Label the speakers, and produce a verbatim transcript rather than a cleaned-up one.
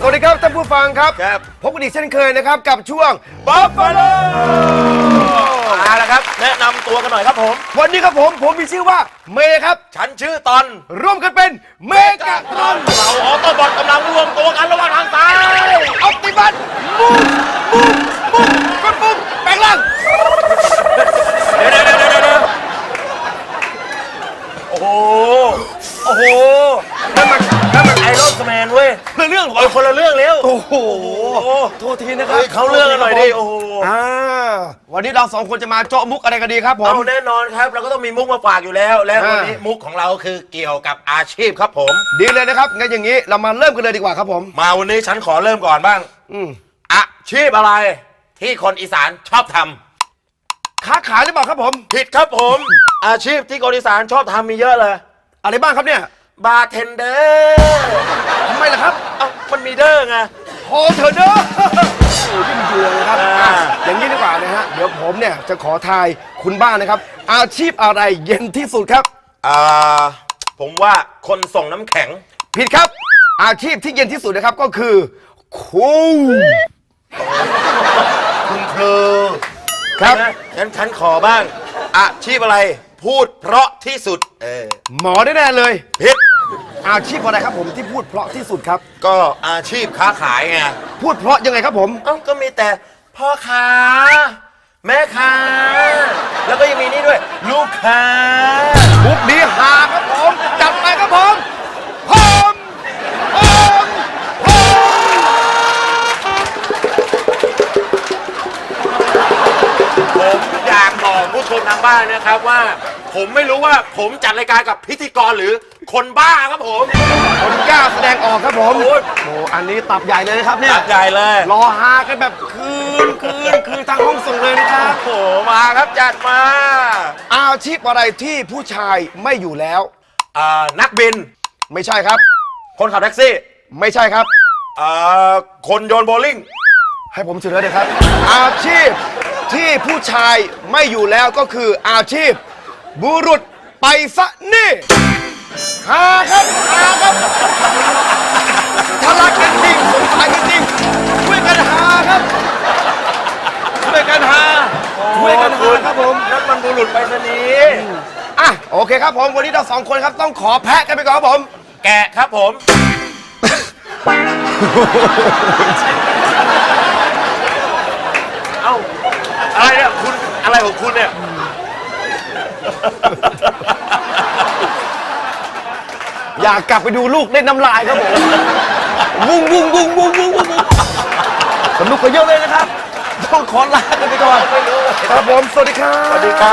Speaker 1: สวัสดีครับท่านผู้ฟังครับครับพบกันอีกเช่นเคยนะครับกับช่วงบัฟฟาโล
Speaker 2: มาแล้วครับแนะนำตัวกันหน่อยครับผม
Speaker 1: วันนี้ครับผมผมมีชื่อว่าเมย์ครับ
Speaker 2: ฉันชื่อตอน
Speaker 1: ร่วมกันเป็นเมกะตรอน
Speaker 2: เราออโต้บอทกำลังรวมตัวกันระหว่างทางซ้าย
Speaker 1: ออปติมัสมูฟมูฟมูฟกดปุ่มแปลงร่าง
Speaker 2: เดี๋ยวเดี๋ยวเดี๋ยวเดี๋ยวโอ้โหโอ้โหนั่นมันนั่นมันไอรอนแมนเว้ย
Speaker 1: คนละเรื่อง
Speaker 2: เออคนละเรื่องแล้ว
Speaker 1: โอ้โหโทษทีนะครับ
Speaker 2: เขาเรื่องกันหน่อยดิโอ้โห
Speaker 1: อ่าวันนี้เราสองคนจะมาเจาะมุกอะไรกันดีครับผม
Speaker 2: เอาแน่นอนครับเราก็ต้องมีมุกมาฝากอยู่แล้วและวันนี้มุกของเราคือเกี่ยวกับอาชีพครับผม
Speaker 1: ดีเลยนะครับงั้นอย่างนี้เรามาเริ่มกันเลยดีกว่าครับผม
Speaker 2: มาวันนี้ฉันขอเริ่มก่อนบ้าง
Speaker 1: อืม
Speaker 2: อาชีพอะไรที่คนอีสานชอบทำ
Speaker 1: ค้าขายหรือเปล่าครับผม
Speaker 2: ผิดครับผมอาชีพที่คนอีสานชอบทำมีเยอะเลย
Speaker 1: อะไรบ้างครับเนี่ย
Speaker 2: บาร์เทนเดอร์
Speaker 1: ทำไมล่ะครับ
Speaker 2: เอ้ามันมีเดอร์ไง
Speaker 1: โฮเทลเดอร์โอ้ยิ่งเดือดเลยครับอย่างนี้ดีกว่านะฮะเดี๋ยวผมเนี่ยจะขอทายคุณบ้านนะครับอาชีพอะไรเย็นที่สุดครับ
Speaker 2: อ่าผมว่าคนส่งน้ำแข็ง
Speaker 1: ผิดครับอาชีพที่เย็นที่สุดนะครับก็คือครู
Speaker 2: คุณครู
Speaker 1: ครับ
Speaker 2: งั้นฉันขอบ้างอาชีพอะไรพูดเพราะที่สุดเออ
Speaker 1: หมอแน่ๆเลย
Speaker 2: ผิด
Speaker 1: อาชีพอะไรครับผมที่พูดเพราะที่สุดครับ
Speaker 2: ก็อาชีพค้าขายไง
Speaker 1: พูดเพราะยังไงครับผม
Speaker 2: เอ้าก็มีแต่พ่อค้าแม่ค้าแล้วก็ยังมีนี่ด้วยลูกค้า
Speaker 1: มุกดีหาครับผมจัดไปครับผมพร้อมพร้อมพร้อ
Speaker 2: มผมอยากบอกผู้ชมทางบ้านนะครับว่าผมไม่รู้ว่าผมจัดรายการกับพิธีกรหรือคนบ้าครับผม
Speaker 1: คนกล้าแสดงออกครับผมโอ้โหอันนี้ตับใหญ่เลยนะครับเนี่ย
Speaker 2: ตับใหญ่เลย
Speaker 1: รอฮากันแบบคืนคืนคืนทางห้องส่งเลยนะครับ
Speaker 2: โอ้โหมาครับจัดมา
Speaker 1: อาชีพอะไรที่ผู้ชายไม่อยู่แล้ว
Speaker 2: อ่านักบิน
Speaker 1: ไม่ใช่ครับ
Speaker 2: คนขับแท็กซี่
Speaker 1: ไม่ใช่ครับ
Speaker 2: อ่าคนโยนโบลิ่ง
Speaker 1: ให้ผมเฉลยเลยครับอาชีพที่ผู้ชายไม่อยู่แล้วก็คืออาชีพบุรุษไปซะนี่หาครับหาครับทะลักกันจริงสงสารกันจริงช่วยกันหาครับช่วยกันหาช่วยกันหาครับผม
Speaker 2: นั่นมันบุรุษไปซะนี้
Speaker 1: อ่ะโอเคครับผมวันนี้เราสองคนครับต้องขอแพะกันไปก่อนครับผม
Speaker 2: แกะครับผมเอ้าอะไรเนี่ยคุณอะไรของคุณเนี่ย
Speaker 1: อยากกลับไปดูลูกเล่นน้ำลายครับผมวุ้งวุ้งวุ้งวุ้งวุ้งวุ้งสนุกกันเยอะเลยนะครับต้องขอลากันไปก่อนครับผมสวัสดีครับ
Speaker 2: สวัสดีครับ